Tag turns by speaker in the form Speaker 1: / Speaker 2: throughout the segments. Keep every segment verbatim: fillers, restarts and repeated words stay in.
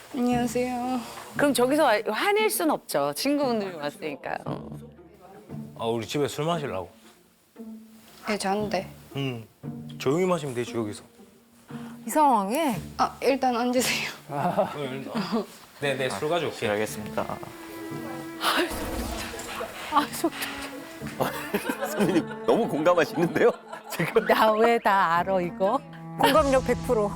Speaker 1: 안녕하세요.
Speaker 2: 그럼 저기서 와- 화낼 순 없죠. 친구분들이 왔으니까요.
Speaker 3: 아 우리 집에 술 마시려고.
Speaker 1: 예, 잔데.
Speaker 3: 응. 조용히 마시면 되지 여기서.
Speaker 4: 이 상황에
Speaker 1: 아, 일단 앉으세요.
Speaker 3: 네네 술 가져올게.
Speaker 5: 알겠습니다.
Speaker 4: 아, 속
Speaker 5: 선배님 너무 공감하시는데요? 지금
Speaker 4: 나 왜 다 알아 이거? 공감력 백 퍼센트.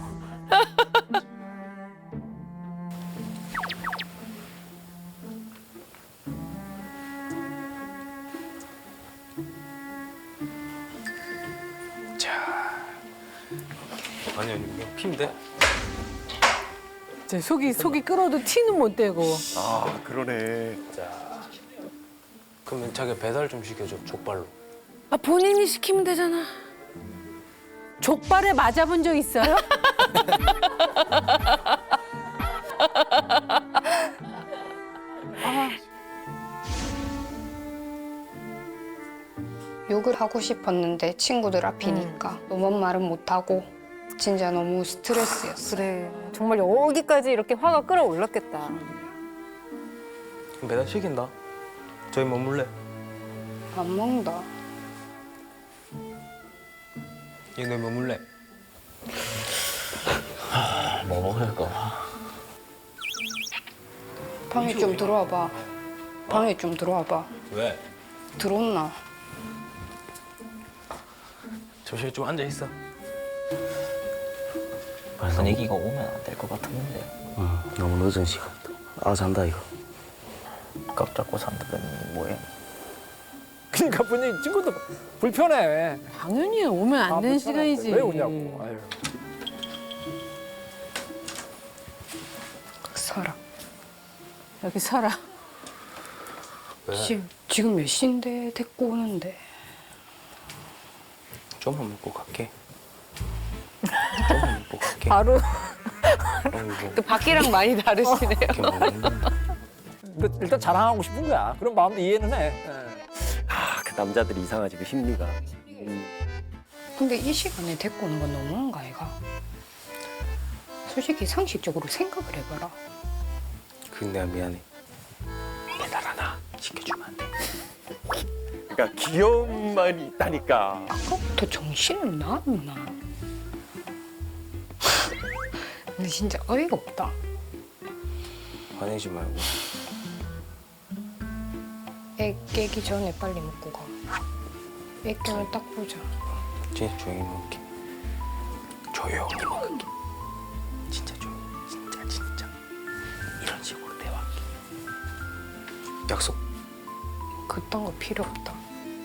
Speaker 3: 아니 아니 그냥 피인데.
Speaker 4: 제 속이 속이 끓어도 티는 못 대고.
Speaker 5: 아 그러네.
Speaker 3: 자. 그러면 자기 배달 좀 시켜줘 족발로.
Speaker 2: 아, 본인이 시키면 되잖아.
Speaker 4: 족발에 맞아본 적 있어요?
Speaker 1: 욕을 하고 싶었는데 친구들 앞이니까 너무 말은 못하고 진짜 너무 스트레스였어요.
Speaker 4: 그래. 정말 여기까지 이렇게 화가 끌어올랐겠다.
Speaker 3: 그럼 배달 시킨다. 저희 머물래.
Speaker 1: 안 먹는다.
Speaker 3: 얘네 머물래.
Speaker 5: 뭐 먹을까?
Speaker 1: 방에 좀 들어와 봐. 방에 좀 들어와 봐.
Speaker 3: 왜?
Speaker 1: 들어온나?
Speaker 3: 잠시 좀 앉아 있어.
Speaker 5: 분위기가 오면 안 될 것 같았는데.
Speaker 6: 응, 너무 늦은 시간이다. 아 잔다 이거.
Speaker 5: 깍 잡고 산다더니 뭐해?
Speaker 7: 그러니까 분위기 친구도 불편해.
Speaker 4: 당연히 오면 안
Speaker 7: 아,
Speaker 4: 되는
Speaker 7: 불편한데
Speaker 4: 시간이지.
Speaker 7: 왜 오냐고. 아유.
Speaker 1: 서라.
Speaker 4: 여기 서라.
Speaker 3: 왜?
Speaker 1: 지금, 지금 몇 시인데 데리고 오는데.
Speaker 3: 좀만 먹고 갈게. 좀만 먹고 갈게.
Speaker 4: 바로
Speaker 3: 아이고,
Speaker 2: 또 밖이랑 많이 다르시네요.
Speaker 3: 이렇게 먹는.
Speaker 7: 근데 일단 자랑하고 싶은 거야. 그런 마음도 이해는 해. 예.
Speaker 5: 아, 그 남자들이 이상하지 그 심리가. 음.
Speaker 1: 근데 이 시간에 데리고 오는 건 너무한가, 얘가? 솔직히 상식적으로 생각을 해봐라.
Speaker 3: 그 내가 미안해. 배달 하나 시켜주면 안 돼?
Speaker 5: 그러니까 귀여운 말이 있다니까.
Speaker 1: 아까부터 정신을 놨나? 근데 진짜 어이가 없다.
Speaker 3: 화내지 말고.
Speaker 1: 애 깨기 전에 빨리 먹고 가. 애 깨면 딱 보자.
Speaker 3: 진짜 조용히 먹을게. 조용히 먹을게. 진짜 조용히. 진짜 진짜. 이런 식으로 대화할게. 약속.
Speaker 1: 그딴 거 필요 없다.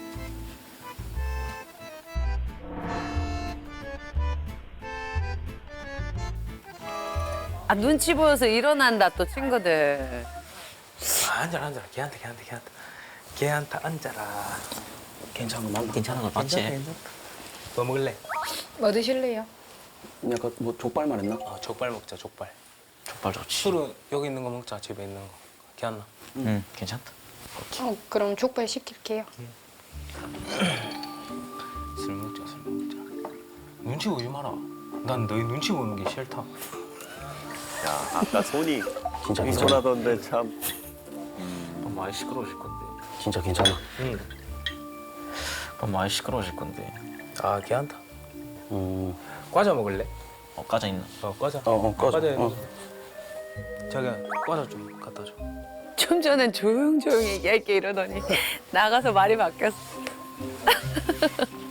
Speaker 2: 아, 눈치 보여서 일어난다, 또 친구들.
Speaker 3: 아, 앉아라 앉아라. 걔한테 걔한테 걔한테. 걔한테 앉아라.
Speaker 5: 괜찮아, 맘 괜찮은 거 맞지?
Speaker 3: 뭐 먹을래?
Speaker 1: 뭐 드실래요?
Speaker 6: 약간 뭐 족발 말했나?
Speaker 3: 어, 족발 먹자 족발.
Speaker 5: 족발 좋지.
Speaker 3: 술은 여기 있는 거 먹자. 집에 있는 거. 걔안나.
Speaker 5: 응, 괜찮다.
Speaker 1: 어, 그럼 족발 시킬게요.
Speaker 3: 술 먹자 술 먹자. 눈치 보지 마라. 난 너희 눈치 보는 게 싫다.
Speaker 5: 야, 아까 손이
Speaker 6: 진짜
Speaker 5: 손이
Speaker 6: 괜찮아.
Speaker 5: 손하던데 참. 음, 많이 시끄러우실 건데.
Speaker 6: 진짜 괜찮아.
Speaker 3: 응.
Speaker 5: 많이 시끄러우실 건데.
Speaker 3: 아 걔한테.
Speaker 6: 음,
Speaker 3: 과자 먹을래?
Speaker 5: 어, 까져 있나?
Speaker 3: 어 과자.
Speaker 6: 어, 어, 꺼져.
Speaker 3: 과자.
Speaker 6: 어.
Speaker 3: 자기야 과자 좀 갖다 줘.
Speaker 2: 좀 전엔 조용조용 얘기할게 이러더니 나가서 말이 바뀌었어.